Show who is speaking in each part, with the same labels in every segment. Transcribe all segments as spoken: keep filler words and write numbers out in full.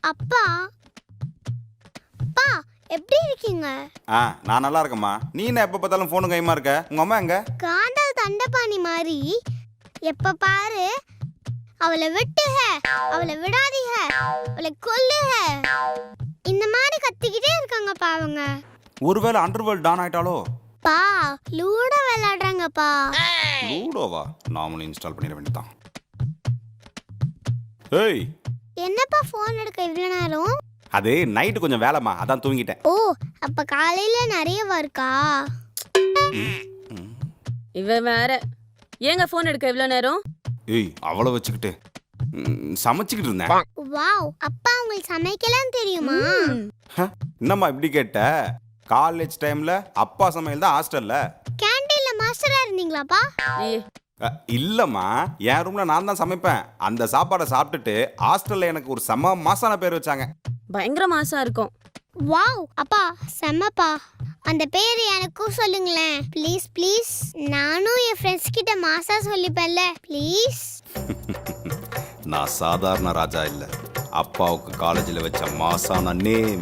Speaker 1: அப்பா அப்பா எப்படி இருக்கீங்க?
Speaker 2: ஆ நான் நல்லா இருக்கேம்மா. நீ என்ன எப்போ பார்த்தாலும் ஃபோனு கைமா இருக்க? உங்க அம்மா எங்க?
Speaker 1: காந்தல் தண்டபாணி மாதிரி எப்ப பாரு அவளை விட்டுக, அவளை விடாதீக, அவளை கொல்லுக, இந்த மாதிரி கத்திக்கிட்டே இருக்காங்கப்பா அவங்க.
Speaker 2: ஒருவேளை அண்டர்வேர்ல்ட் டான் ஆயிட்டாலோ?
Speaker 1: பா லூடோ விளையாடுறாங்கப்பா.
Speaker 2: லூடோவா? நாமளும் இன்ஸ்டால் பண்ணிட வேண்டியதான். ஏய்
Speaker 1: என்னப்பா ஃபோன் எடுக்க இவ்வளோ நேரம்?
Speaker 2: அது நைட்டு கொஞ்சம் வேலைம்மா, அதான் தூங்கிட்டேன்.
Speaker 1: ஓ அப்ப காலையில நிறைய இருக்கா?
Speaker 3: இவ வேற ஏங்க ஃபோன் எடுக்க இவ்வளோ நேரம்?
Speaker 2: ஏய் அவளை வச்சுக்கிட்டு ம், சமைச்சுக்கிட்டு இருந்தேன்.
Speaker 1: வாவ், அப்பா உங்களுக்கு சமைக்கலாம் தெரியுமா?
Speaker 2: ஹ, என்னம்மா இப்படி கேட்ட? காலேஜ் டைம்ல அப்பா சமையல் தான் ஹாஸ்டல்ல.
Speaker 1: கேண்டீன்ல மாஸ்டரா இருந்தீங்களாப்பா?
Speaker 3: ஏய்,
Speaker 2: அ, இல்லம்மா, என் ரூம்ல நான் தான் சமைப்பேன். அந்த சாப்பாடை சாப்பிட்டுட்டு ஹாஸ்டல்ல எனக்கு ஒரு செம மாசான பேர் வச்சாங்க.
Speaker 3: பயங்கர மாசா இருக்கும்.
Speaker 1: வாவ் அப்பா செம்மப்பா. அந்த பேர் எனக்கும் சொல்லுங்களேன் ப்ளீஸ் ப்ளீஸ். நானும் என் ஃப்ரெண்ட்ஸ் கிட்ட மாசா சொல்லிப்பேன்ல ப்ளீஸ்.
Speaker 2: நான் சாதாரண ராஜா இல்ல, அப்பாவுக்கு காலேஜில் வச்ச மாசான நேம்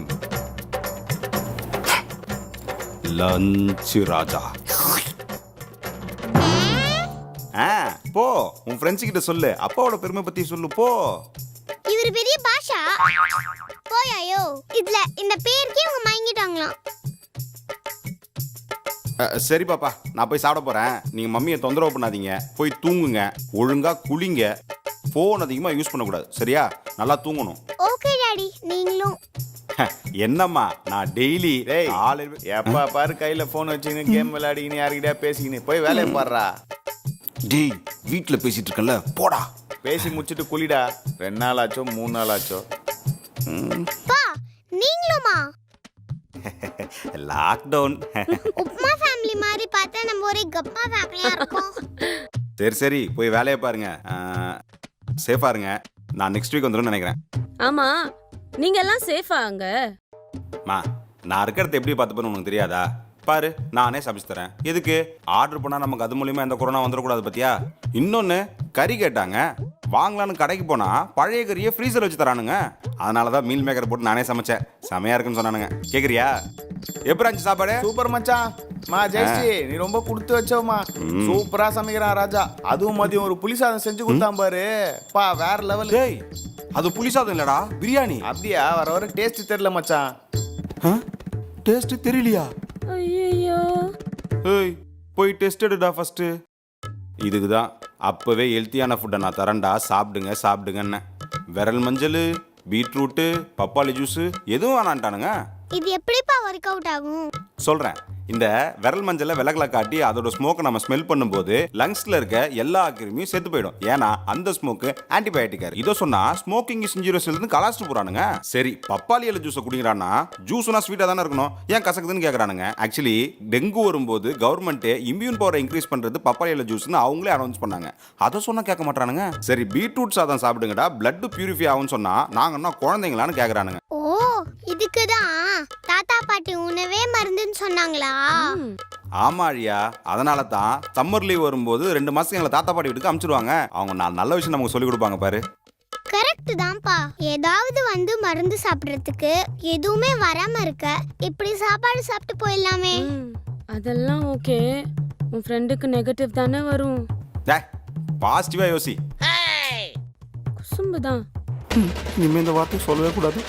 Speaker 2: லஞ்ச் ராஜா. ஆ போ, உன் ஃப்ரெண்ட்ஸ் கிட்ட சொல்லு, அப்பாவோட பெருமை பத்தி சொல்லு போ.
Speaker 1: இவர் பெரிய பாஷா போயாயோ. இதுல இந்த பேருக்கே அவங்க மயங்கிட்டாங்களாம்.
Speaker 2: அ, சரி பாப்பா, நான் போய் சாப்பிட போறேன். நீங்க மம்மியை தொந்தரவு பண்ணாதீங்க, போய் தூங்குங்க, ஒழுங்கா குளிங்க, ஃபோன் அதிகமா யூஸ் பண்ணக்கூடாது, சரியா? நல்லா தூங்கணும்.
Speaker 1: ஓகே டாடி, நீங்களும்.
Speaker 2: என்னம்மா நான் டெய்லி
Speaker 4: டேய் எப்பா பாரு கையில போன் வச்சுக்கின்னு கேம் விளையாடிக்கின்னு யாருக்கிட்டயா பேசிக்கின்னு போய் வேலையை பாடுறா.
Speaker 2: டேய் வீட்டில் பேசிட்டு இருக்கல, போடா.
Speaker 4: பேசி முடிச்சுட்டு குளிடா. ரெண்டு நாள் ஆச்சோ மூணு நாள் ஆச்சோ.
Speaker 1: பா நீங்களுமா?
Speaker 2: லாக்டவுன்.
Speaker 1: உப்மா ஃபேமிலி மாதிரி பார்த்தா நம்ம ஒரே கப்பா ஃபேமிலியா இருக்கோம்.
Speaker 2: சரி சரி போய் வேலையை பாருங்க, சேஃபா இருங்க. நான் நெக்ஸ்ட் வீக் வந்துடும் நினைக்கிறேன்.
Speaker 3: ஆமா, நீங்க எல்லாம் சேஃபா அங்க?
Speaker 2: மா நான் இருக்கிறத எப்படி பார்த்துப்பேன்னு உனக்கு தெரியாதா? பாரு நானே சமைச்சு தரேன். எதுக்கு ஆர்டர் பண்ணா நமக்கு அது மூலியமா எந்த கொரோனா வந்துடக்கூடாது பத்தியா? இன்னொன்னு கறி கேட்டாங்க, வாங்கலான்னு கடைக்கு போனா பழைய கறியை ஃப்ரீசர் வச்சு தரானுங்க. அதனாலதான் மீல் மேக்கர் போட்டு நானே சமைச்சேன். செமையா இருக்குன்னு சொன்னானுங்க. கேக்குறியா? எப்படி இருந்துச்சு சாப்பாடு?
Speaker 4: சூப்பர் மச்சான். மா ஜெயஸ்ரீ நீ ரொம்ப கொடுத்து வச்சோமா. சூப்பரா சமைக்கிறான் ராஜா. அதுவும் மதியம் ஒரு புளி சாதம் செஞ்சு கொடுத்தான் பாரு, பா வேற லெவல்.
Speaker 2: டேய் அது புளி சாதம் இல்லடா, பிரியாணி.
Speaker 4: அப்படியா? வர வர டேஸ்ட் தெரியல மச்சான்.
Speaker 2: டேஸ்ட் தெரியலையா?
Speaker 3: ஐயோ,
Speaker 2: ஏய் போய் டெஸ்ட் எடுடா ஃபர்ஸ்ட். இதுக்கு தான் அப்பவே ஹெல்த்தியான ஃபுட்டை நான் தரேன்டா, சாப்பிடுங்க சாப்பிடுங்கன்னு. விரல் மஞ்சள், பீட்ரூட்டு, பப்பாளி ஜூஸு எதுவும் வேணான்ட்டானுங்க.
Speaker 1: இது எப்படிப்பா ஒர்க் அவுட் ஆகும்?
Speaker 2: சொல்கிறேன். இந்த விரல் மஞ்சளை விலகலை காட்டி அதோட ஸ்மோக்கை நம்ம ஸ்மெல் பண்ணும்போது லங்ஸ்ல இருக்க எல்லா கிருமியும் செத்து போயிடும். ஏன்னா அந்த ஸ்மோக்கு ஆன்டிபயோட்டிக்கா இருக்கு. இதை சொன்னா ஸ்மோக்கிங் இஸ் இன்ஜூரியஸ் இருந்து கலாச்சிட்டு போறானுங்க. சரி பப்பாளி இலை ஜூஸை குடிக்கிறான்னா ஜூஸ்னா ஸ்வீட்டா தானே இருக்கணும், ஏன் கசக்குதுன்னு கேட்கறானுங்க. ஆக்சுவலி டெங்கு வரும்போது கவர்மெண்ட் இம்யூன் பவரை இன்க்ரீஸ் பண்றது பப்பாளி இலை ஜூஸ்னு அவங்களே அனௌன்ஸ் பண்ணாங்க. அதை சொன்னா கேட்க மாட்டானுங்க. சரி பீட்ரூட் சாதம் சாப்பிடுங்கடா, பிளட் பியூரிஃபை ஆகும்னு சொன்னா நாங்கன்னா குழந்தைங்களான்னு கேட்கறானுங்க.
Speaker 1: ஓ இதுக்குதான் தாத்தா பாட்டி உணவே மருந்துன்னு சொன்னாங்களா?
Speaker 2: ஆமா அழியா, அதனால தான் சம்மர் லீவ் வரும்போது ரெண்டு மாசம் எங்களை தாத்தா பாட்டி வீட்டுக்கு அனுப்பிச்சிடுவாங்க. அவங்க நான் நல்ல விஷயம் நமக்கு சொல்லி கொடுப்பாங்க பாரு.
Speaker 1: கரெக்ட் தான்ப்பா. ஏதாவது வந்து மருந்து சாப்பிடுறதுக்கு எதுவுமே வராம இருக்க இப்படி சாப்பாடு சாப்பிட்டு போயிடலாமே.
Speaker 3: ம், அதெல்லாம் ஓகே. உன் ஃப்ரெண்டுக்கு நெகட்டிவ் தானே வரும்.
Speaker 2: டேய் பாசிட்டிவா யோசி.
Speaker 3: குசும்பு தான்.
Speaker 2: இனிமே இந்த வார்த்தை சொல்லவே கூடாது.